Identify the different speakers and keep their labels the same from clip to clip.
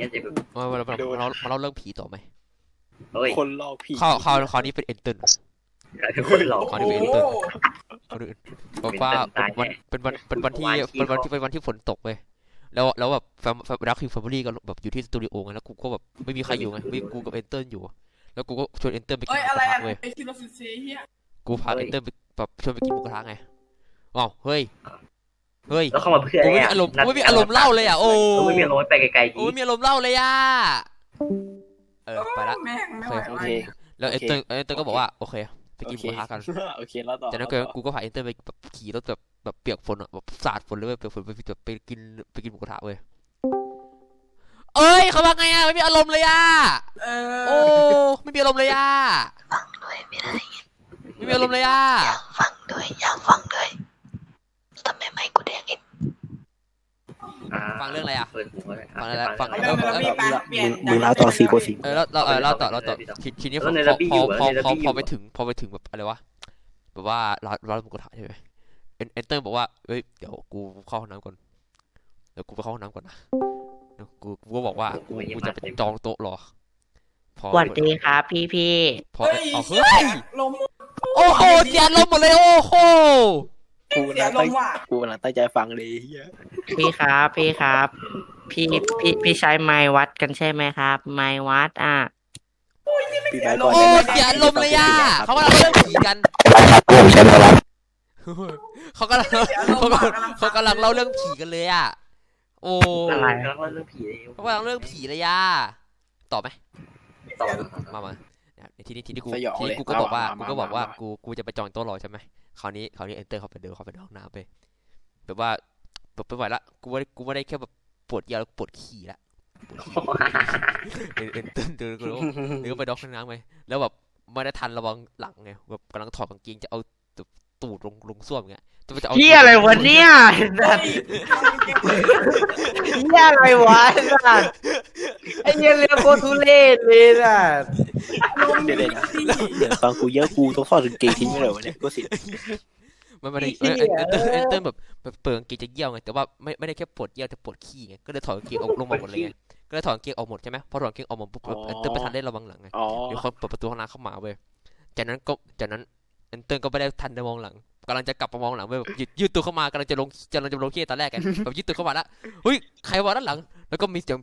Speaker 1: งี้ยจะแบบ
Speaker 2: มาเล่าเรื่องผีต่อไหม
Speaker 1: เฮ้ย
Speaker 3: คนหลอกผี
Speaker 2: คราวนี้เป็นเอนเตอร์
Speaker 1: กลายเป็นคนหลอก
Speaker 2: คราวนี้เป็นเอนเตอร์บอกว่าเป็นวันที่ฝนตกเว้ยแล้วแบบรักคิวแฟมิลี่ก็แบบอยู่ที่สตูดิโอไงแล้วกูก็แบบไม่มีใครอยู่ไงมีกูกับเอนเตอร์อยู่แล้วกูก็ชวนเอนเตอร์ไปกินหมูกระทะเว้ยกูพาเอนเตอร์ไปแบบชวนไปกินหมูกระทะไงว้าวเฮ้ย
Speaker 1: แล้วเข้ามาเพื่ออะไรอ่ะ
Speaker 2: กูไม่มีอารมณ์เล่าเลยอ่ะโอ้
Speaker 1: ไม่มีอารมณ์ไปไกลๆ
Speaker 2: กูไม่มีอารมณ์เล่าเลยอ่ะไปละ
Speaker 3: โอเค
Speaker 2: แล้วเอนเตอร์ก็บอกว่าโอเคไปกินหมูกระทะกัน
Speaker 3: โอเคแล้วต่อ
Speaker 2: จากนั้นกูก็พาเอนเตอร์ไปแบบขี่รถแบบเปียกฝนอ่ะแบบสาดฝนเลยเปียกฝนไปกินหมูกระทะเว้ยเอ้ยเขาว่าไงอ่ะไม่มีอารมณ์เลยอ่ะโอ้ไม่มีอารมณ์เลยอ่ะ
Speaker 4: ฟังด้วยไม่ได้
Speaker 2: ไม่มีอารมณ์เลยอ่ะ
Speaker 4: อยากฟังด้วยทำไมไม่กูแดงอีก
Speaker 2: ฟังเรื่องอะไรอ่ะฟังอะไร
Speaker 3: มึงเล่าต่อ4 4
Speaker 2: เราต่อทีนี้พอไปถึงแบบอะไรวะแบบว่าร้านหมูกระทะใช่ไหมเอนเตอร์บอกว่าเฮ้ยเดี๋ยวกูเข้าห้องน้ำก่อนเดี๋ยวกูไปเข้าห้องน้ำก่อนนะกูก็บอกว่ากูจะไปจองโต๊ะรอ
Speaker 4: สวัสดีครับพี่
Speaker 2: พอเฮ้ยโอ้โหเสียลมหมดเลยโอ้โห
Speaker 3: กูกำลังตั้งใจฟังเลยเฮีย
Speaker 4: พี่ครับพี่ใช้ไม้วัดกันใช่ไหมครับไม้วัด
Speaker 2: โอ้เสียลมเลยอ่ะเขากำลังเรื่องผีกันเขากำลังเล่าเรื่องผีกันเลยอ่ะโอ้
Speaker 1: อะไรเขาเรื่องผีเลย
Speaker 2: เขากำลังเรื่องผีเลยอ่ะต่อไหม
Speaker 1: ต่อ
Speaker 2: มาทีนี้กูก็บอกว่ากูจะไปจองโต๊ะรอใช่ไหมคราวนี้เอนเตอร์เขาไปเดินห้องน้ำไปแบบว่าแบบไม่ไหวละกูไม่ได้แค่แบบปวดยาวแล้วปวดขี่ละเอนเตอร์เดินก็ไปด็อกห้องน้ำไงแล้วแบบไม่ได้ทันระวังหลังไงแบบกำลังถอดกางเกงจะเอาตูดลงส้วมไงจะเอา
Speaker 4: พี่อะไรวะเนี่ยพี่อะไรวะไอ้เหี้ยเรื่องโคตรทุเรศเลยน่ะ
Speaker 3: เดี๋ยวตอนกูเยอะกูต้องทอดกางเกงทิ้งไปเลยวะเนี่ยก็สิ
Speaker 2: มันไม่ได้เอนเตอร์แบบเปิดกางเกงจะเยี่ยวไงแต่ว่าไม่ได้แค่ปวดเยี่ยวแต่ปวดขี้ไงก็เลยถอดกางเกงออกลงมาหมดเลยไงก็เลยถอดกางเกงออกหมดใช่ไหมพอถอดกางเกงออกหมดปุ๊บเอนเตอร์ไม่ทันได้ระวังหลังไงเดี๋ยวเขาเปิดประตูห้องน้ำเข้ามาเว้ยจากนั้นเอนเตอร์ก็ไม่ได้ทันได้มองหลังกำลังจะกลับมามองหลังเว้ยยืดตัวเข้ามากำลังจะลงขี้ตอนแรกไงแบบยืดตัวเข้ามาแล้วเฮ้ยใครวะด้านหลังแล้วก็มีเสียง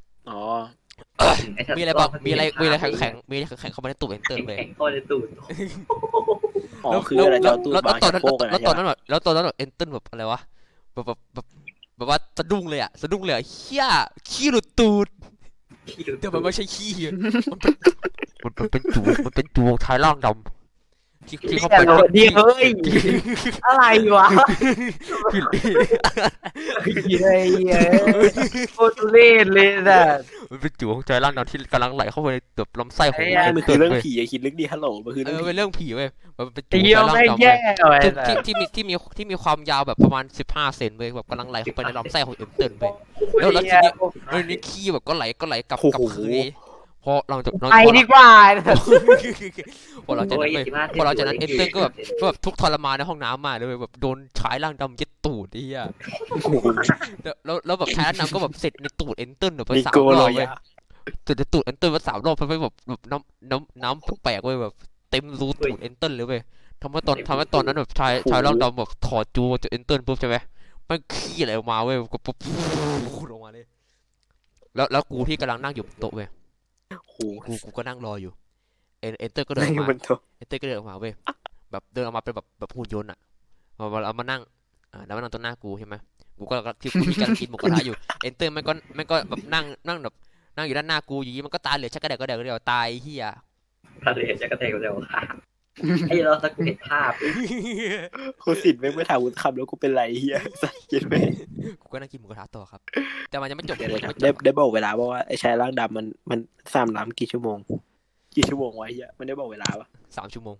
Speaker 2: มีอะไรบ้างมีอะไรแข็งเข้ามาในตูดเอนเตอร์เลย
Speaker 1: เข้าในตูด
Speaker 3: คืออะไรจะตูดบางโคกอะไร
Speaker 2: แล้วตอนนั้นแบบเอนเตอร์แบบอะไรวะแบบว่าสะดุ้งเลยเฮียขี้หลุดตูดแต่มันไม่ใช่ขี้มันเป็นจูชายร่างดำที่เขาเป็น
Speaker 4: เดียวเฮ้ยอะไรวะเฮ้ยโคตรทุเรศเลยน่ะ
Speaker 2: มันเป็นจูของชายร่างดำที่กำลังไหลเข้าไปในแบบลำไส้ของ
Speaker 3: มันคือเรื่องผีอย่าคิดลึกดิฮัลโหลมันคือ
Speaker 2: เป็นเรื่องผีเว้ยมันเป็นจูชายร่างดำที่มีความยาวแบบประมาณ15 เซนเว้ยแบบกำลังไหลเข้าไปในลำไส้ของเอ็มเติร์นเว้ยแล้วทีนี้ขี้แบบก็ไหลกลับคืนพอเราจะ
Speaker 4: ไปดีกว่า
Speaker 2: พอเราจะนั้นเอนเตอร์ก็แบบทุกทรมานในห้องน้ำมาเลยแบบโดนชายร่างดำยึดตูดไอ้เหี้ยแล้วแบบชายร่างดำก็แบบเสร็จในตูดเอนเตอร์แบบ3 รอบเลยตูดเอนเตอร์มา3 รอบไปแบบน้ำแปลกๆเว้ยแบบเต็มรูตูดเอนเตอร์เลยเว้ยทำให้ตอนนั้นแบบชายร่างดำแบบถอดจูจากเอนเตอร์ปุ๊บใช่ไหมมันขี้อะไรออกมาเว้ยก็ปุ๊บลงมาเลยแล้วกูที่กำลังนั่งอยู่โต๊ะเว้ยกูก็นั่งรออยู่เอนเตอร์ก็เดินออกมาเว้ยแบบเดินออกมาเป็นแบบหุ่นยนต์อ่ะเอามานั่งแล้วมานั่งตรงหน้ากูใช่ไหมกูก็ที่กูมีการกินหมูกระทะอยู่เอนเตอร์มันก็แบบนั่งแบบนั่งอยู่ด้านหน้ากูอยู่มันก็ตาเหลือกชักกระเดกเดียวตายเฮีย
Speaker 1: ตาเหลือกชักกระเดกเดียวไอ้เราสักเห็นภาพ
Speaker 3: กูสินไม่ถามกูคำแล้วกูเป็นไรเฮียสักกินไหม
Speaker 2: กูก็นั่งกินหมูกระทะต่อครับแต่มันยังไม่จบ
Speaker 3: ได้บอกเวลาว่าไอ้ชายร่างดำมัน3 น้ำกี่ชั่วโมงวะเฮียมันได้บอกเวลาปะ
Speaker 2: 3 ชั่วโมง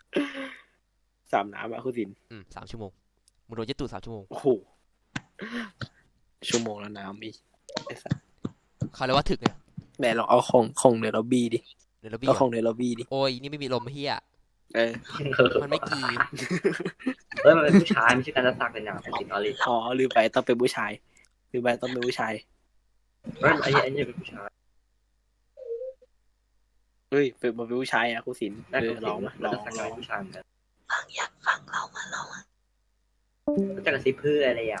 Speaker 3: 3 น้ำอะคุณสิน
Speaker 2: 3 ชั่วโมงมึงโดนยึดตูด3 ชั่วโมง
Speaker 3: โอ้โหชั่วโมงแล้วน้ำอีกไอ้สัส
Speaker 2: เขาเรียกว่าถึกไง
Speaker 3: แม่ลองเอาของในล็อบบี้ดิเอาของในล็อบบี้ดิ
Speaker 2: โอ้ยนี่ไม่มีลมเฮียมันไม่กี
Speaker 1: มันเป็นผู้ชายไม่ใช่การจะสักเป็นอย่างเป็นสิ่งอริ
Speaker 3: ลืมไปต้องเป็นผู้ชาย
Speaker 1: อันนี้เป็นผู้ชาย
Speaker 3: เฮ้ยเป็นมาเป็นผู้ชายอ่ะครูศิลป์
Speaker 1: น่าจะ
Speaker 3: ลองมาล
Speaker 1: แล้
Speaker 3: อ
Speaker 1: ว
Speaker 3: ง
Speaker 1: สัก
Speaker 3: ล
Speaker 1: กา
Speaker 3: อ
Speaker 1: ย
Speaker 3: ง
Speaker 1: ผู้ชายเหมือนกันจะกระซิบเพื่ออะไรอ่ะ